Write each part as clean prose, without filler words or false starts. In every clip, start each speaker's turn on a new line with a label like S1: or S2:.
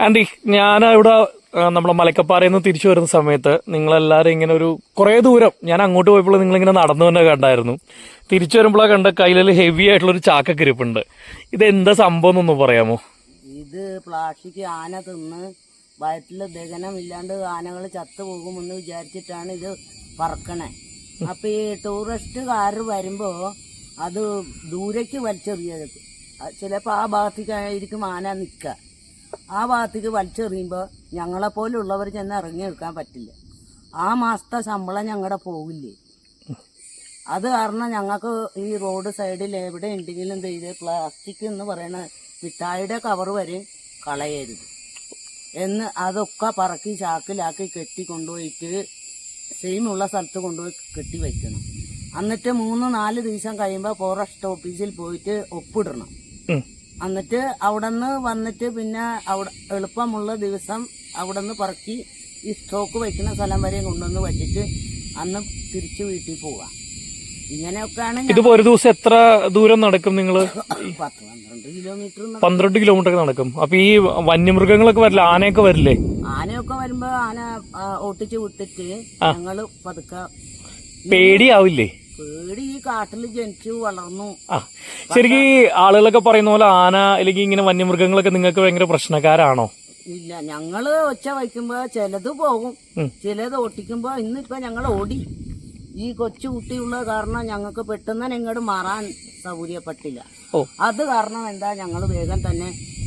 S1: Andy, ഞാനിവിടെ നമ്മളെ മലക്കപ്പാറയിൽ നിന്ന് തിരിച്ചു വരുന്ന സമയത്ത് നിങ്ങളെല്ലാവരും ഇങ്ങനെ ഒരു കുറേ ദൂരം ഞാൻ അങ്ങോട്ട് പോയപ്പോൾ നിങ്ങളിങ്ങനെ നടന്നു തന്നെ കണ്ടായിരുന്നു. തിരിച്ചു വരുമ്പോഴാണ് കണ്ട കയ്യിൽ ഹെവി ആയിട്ടുള്ള ഒരു ചാക്കൊക്കെ ഇരിപ്പുണ്ട്. ഇത് എന്താ സംഭവം എന്നൊന്ന് പറയാമോ?
S2: ഇത് പ്ലാസ്റ്റിക് ആന തിന്ന് വയറ്റിൽ ദഹനമില്ലാണ്ട് ആനകൾ ചത്തുപോകുമെന്ന് വിചാരിച്ചിട്ടാണ് ഇത് പറക്കണേ. അപ്പൊ ഈ ടൂറിസ്റ്റുകാർ വരുമ്പോ അത് ദൂരേക്ക് വലിച്ചെറിയത്. ചിലപ്പോൾ ആ ഭാഗത്തേക്കായിരിക്കും ആന നിൽക്കുക. ആ ഭാഗത്തേക്ക് വലിച്ചെറിയുമ്പോൾ ഞങ്ങളെപ്പോലുള്ളവർ ചെന്ന് ഇറങ്ങിയെടുക്കാൻ പറ്റില്ല. ആ മാസത്തെ ശമ്പളം ഞങ്ങളുടെ പോകില്ലേ. അത് കാരണം ഞങ്ങൾക്ക് ഈ റോഡ് സൈഡിൽ എവിടെ ഉണ്ടെങ്കിലും ചെയ്ത് പ്ലാസ്റ്റിക് എന്ന് പറയുന്ന മിഠായിയുടെ കവർ വരെ കളയരുത് എന്ന് അതൊക്കെ പറക്കി ചാക്കിലാക്കി കെട്ടി കൊണ്ടുപോയിട്ട് സെയിമുള്ള സ്ഥലത്ത് കൊണ്ടുപോയി കെട്ടി വയ്ക്കണം. എന്നിട്ട് 3-4 ദിവസം കഴിയുമ്പോൾ ഫോറസ്റ്റ് ഓഫീസിൽ പോയിട്ട് ഒപ്പിടണം. എന്നിട്ട് അവിടെ നിന്ന് വന്നിട്ട് പിന്നെ അവിടെ എളുപ്പമുള്ള ദിവസം അവിടെ നിന്ന് പറക്കി ഈ സ്റ്റോക്ക് വയ്ക്കുന്ന സ്ഥലം വരെ കൊണ്ടുവന്ന് വച്ചിട്ട് അന്ന് തിരിച്ച് വീട്ടിൽ പോവാം. ഇങ്ങനെയൊക്കെയാണ്.
S1: ഇതിപ്പോ ഒരു ദിവസം എത്ര ദൂരം നടക്കും നിങ്ങള്?
S2: 10-12 കിലോമീറ്റർ.
S1: 12 കിലോമീറ്റർ നടക്കും. അപ്പൊ ഈ വന്യമൃഗങ്ങളൊക്കെ വരില്ല, ആനയൊക്കെ വരില്ലേ?
S2: ആനയൊക്കെ വരുമ്പോ ആന ഓട്ടിച്ച് വിട്ടിട്ട് ഞങ്ങള് പതുക്കെ.
S1: പേടിയാവില്ലേ?
S2: പേടി, ഈ കാട്ടിൽ ജനിച്ചു വളർന്നു.
S1: ശരിക്കും ഈ ആളുകളൊക്കെ പറയുന്ന പോലെ ആന അല്ലെങ്കിൽ ഇങ്ങനെ വന്യമൃഗങ്ങളൊക്കെ നിങ്ങൾക്ക് ഭയങ്കര പ്രശ്നക്കാരാണോ?
S2: ഇല്ല, ഞങ്ങള് ഒച്ച വയ്ക്കുമ്പോ ചിലത് പോകും, ചിലത് ഓട്ടിക്കുമ്പോ ഇന്നിപ്പോ ഞങ്ങൾ ഓടി. ഈ കൊച്ചു കുട്ടിയുള്ള കാരണം ഞങ്ങൾക്ക് പെട്ടെന്ന് തന്നെ ഇങ്ങോട്ട് മാറാൻ സൗകര്യപ്പെട്ടില്ല. അത് കാരണം എന്താ ഞങ്ങൾ വേഗം തന്നെ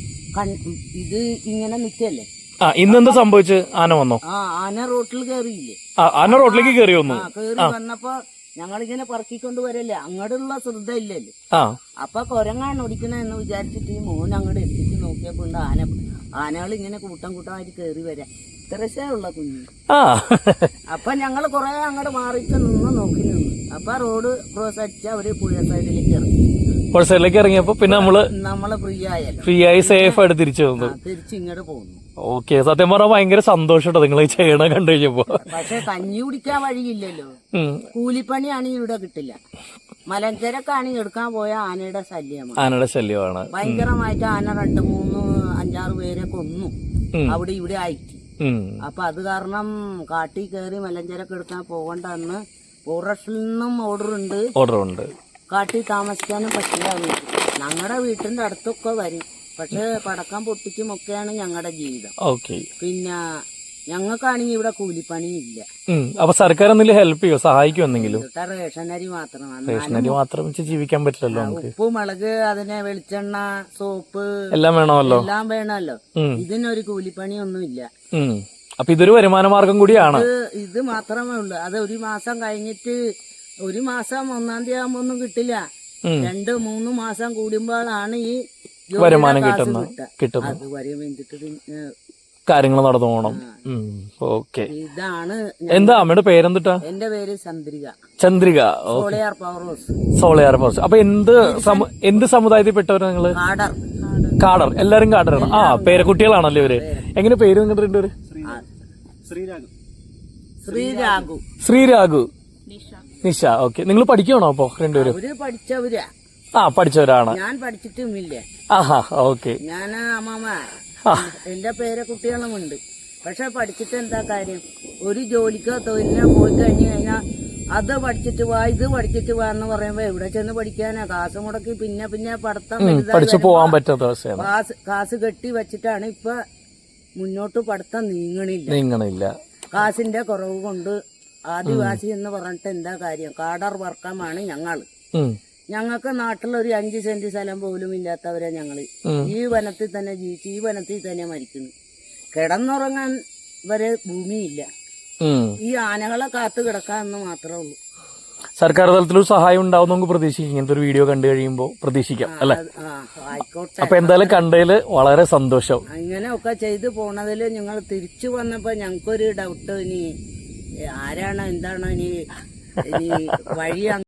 S2: ഇത് ഇങ്ങനെ നിൽക്കല്ലേ.
S1: ഇന്നെന്താ സംഭവിച്ച്? ആന വന്നോ?
S2: ആന റോട്ടിൽ കയറിയില്ലേ?
S1: ആന റോട്ടിലേക്ക് കയറി വന്നു.
S2: കയറി വന്നപ്പോ ഞങ്ങളിങ്ങനെ പറക്കിക്കൊണ്ട് വരല്ലേ, അങ്ങോട്ടുള്ള ശ്രദ്ധ ഇല്ലല്ലോ. അപ്പൊ കുരങ്ങാണ് ഓടിക്കണ എന്ന് വിചാരിച്ചിട്ട് ഈ മോൻ അങ്ങോട്ട് എത്തിച്ച് നോക്കിയപ്പോ ആനകൾ ഇങ്ങനെ കൂട്ടം കൂട്ടമായിട്ട് കയറി വരാം. ഇത്രശയുള്ള കുഞ്ഞ്. അപ്പൊ ഞങ്ങള് കുറെ അങ്ങോട്ട് മാറിയിട്ട് നോക്കി നിന്ന്. അപ്പൊ റോഡ് ക്രോസ് അടിച്ച് അവര് പുഴ സൈഡിലേക്ക് ഇറങ്ങി.
S1: പുഴ സൈഡിലേക്ക് ഇറങ്ങിയപ്പോ പിന്നെ
S2: നമ്മള് ഫ്രീ
S1: ആയി സേഫ് ആയിട്ട് തിരിച്ചു വന്നു.
S2: തിരിച്ച് ഇങ്ങോട്ട് പോകുന്നു.
S1: ഓക്കെ, സത്യം പറഞ്ഞാൽ ഭയങ്കര സന്തോഷം നിങ്ങൾ ചെയ്യണ കണ്ടു കഴിഞ്ഞപ്പോ.
S2: പക്ഷെ കഞ്ഞി കുടിക്കാൻ വഴിയില്ലല്ലോ. കൂലിപ്പണിയാണെങ്കിൽ ഇവിടെ കിട്ടില്ല. മലഞ്ചരക്കാണെങ്കിൽ എടുക്കാൻ പോയ ആനയുടെ ശല്യമാണ്. ഭയങ്കരമായിട്ട് ആന 2-3-5-6 പേരെ കൊന്നു അവിടെ ഇവിടെ ആയിട്ട്. അപ്പൊ അത് കാരണം കാട്ടിൽ കയറി മലഞ്ചരക്ക് എടുക്കാൻ പോകണ്ടെന്ന് ഫോറസ്റ്റിൽ നിന്നും ഓർഡർ ഉണ്ട്. കാട്ടിൽ താമസിക്കാനും പറ്റില്ല. ഞങ്ങളുടെ വീട്ടിന്റെ അടുത്തൊക്കെ വരും, പക്ഷെ പടക്കം പൊട്ടിക്കും ഒക്കെയാണ് ഞങ്ങളുടെ ജീവിതം. പിന്നെ ഞങ്ങൾക്കാണെങ്കിൽ ഇവിടെ കൂലിപ്പണിയില്ല.
S1: അപ്പൊ സർക്കാർ എന്തെങ്കിലും ഹെൽപ്പ് ചെയ്യോ, സഹായിക്കും എന്തെങ്കിലും?
S2: റേഷനരി മാത്രമാണ്.
S1: റേഷനരി മാത്രം വെച്ച് ജീവിക്കാൻ പറ്റില്ലല്ലോ.
S2: ഉപ്പ്, മുളക്, അതിനെ വെളിച്ചെണ്ണ, സോപ്പ്
S1: എല്ലാം വേണമല്ലോ.
S2: ഇതിനൊരു കൂലിപ്പണിയൊന്നുമില്ല.
S1: അപ്പൊ ഇതൊരു വരുമാന മാർഗം കൂടിയാണ്.
S2: ഇത് മാത്രമേ ഉള്ളൂ. അത് ഒരു മാസം കഴിഞ്ഞിട്ട്, ഒരു മാസം 1-ാം തീയതി ആകുമ്പോ ഒന്നും കിട്ടില്ല. 2-3 മാസം കൂടുമ്പോഴാണ് ഈ
S1: വരുമാനം കിട്ടുന്നത്.
S2: അതുവരെ വേണ്ടിട്ട്
S1: കാര്യങ്ങൾ നടന്നു പോകണം. ഓക്കെ.
S2: ഇതാണ്.
S1: എന്താ അമ്മയുടെ പേരെന്തിട്ടാ?
S2: എന്റെ പേര്
S1: ചന്ദ്രിക. സോളയാർ പവർ. അപ്പൊ എന്ത് സമുദായത്തിൽപ്പെട്ടവരാ നിങ്ങള്? കാടർ. എല്ലാരും കാടറാണ്. പേരക്കുട്ടികളാണല്ലോ ഇവര്. എങ്ങനെ പേര് നിങ്ങളുടെ? ശ്രീരാഘു, നിഷ. ഓക്കെ. നിങ്ങൾ പഠിക്കണോ അപ്പൊ രണ്ടുപേരും? പഠിച്ചവരാണ്.
S2: ഞാൻ പഠിച്ചിട്ടുമില്ല.
S1: ഓക്കെ.
S2: ഞാൻ അമ്മമ്മ, എന്റെ പേരക്കുട്ടികളുമുണ്ട്. പക്ഷെ പഠിച്ചിട്ട് എന്താ കാര്യം? ഒരു ജോലിക്കോ തൊഴിലിനോ പോയി കഴിഞ്ഞാൽ അത് പഠിച്ചിട്ട് വാ, ഇത് പഠിച്ചിട്ട് വാ എന്ന് പറയുമ്പോ എവിടെ ചെന്ന് പഠിക്കാനാ? കാശ് മുടക്കി പിന്നെ പഠിത്തം
S1: പഠിച്ചു പോവാൻ പറ്റാത്ത
S2: കാശ് കെട്ടി വെച്ചിട്ടാണ് ഇപ്പൊ മുന്നോട്ട് പഠിത്തം നീങ്ങണില്ല. കാശിന്റെ കുറവ് കൊണ്ട് ആദിവാസി എന്ന് പറഞ്ഞിട്ട് എന്താ കാര്യം? കാടർ വർക്കമാണ് ഞങ്ങൾക്ക് നാട്ടിലൊരു 5 സെന്റ് സ്ഥലം പോലും ഇല്ലാത്തവരെ ഞങ്ങള് ഈ വനത്തിൽ തന്നെ ജീവിച്ച് ഈ വനത്തിൽ തന്നെ മരിക്കുന്നു. കിടന്നുറങ്ങാൻ വരെ ഭൂമിയില്ല. ഈ ആനകളെ കാത്തു കിടക്കാന്ന് മാത്രമേ ഉള്ളൂ.
S1: സർക്കാർ തലത്തിലൊരു സഹായം ഉണ്ടാവും നമുക്ക് പ്രതീക്ഷിക്കാം. ഇങ്ങനത്തെ ഒരു വീഡിയോ കണ്ടു കഴിയുമ്പോ പ്രതീക്ഷിക്കാം അല്ലെ?
S2: ആയിക്കോട്ടെ.
S1: അപ്പൊ എന്തായാലും കണ്ടതില് വളരെ സന്തോഷം.
S2: ഇങ്ങനെയൊക്കെ ചെയ്തു പോണതില് നിങ്ങൾ തിരിച്ചു വന്നപ്പോ ഞങ്ങൾക്കൊരു ഡൗട്ട്, ഇനി ആരാണ് എന്താണോ ഇനി വഴി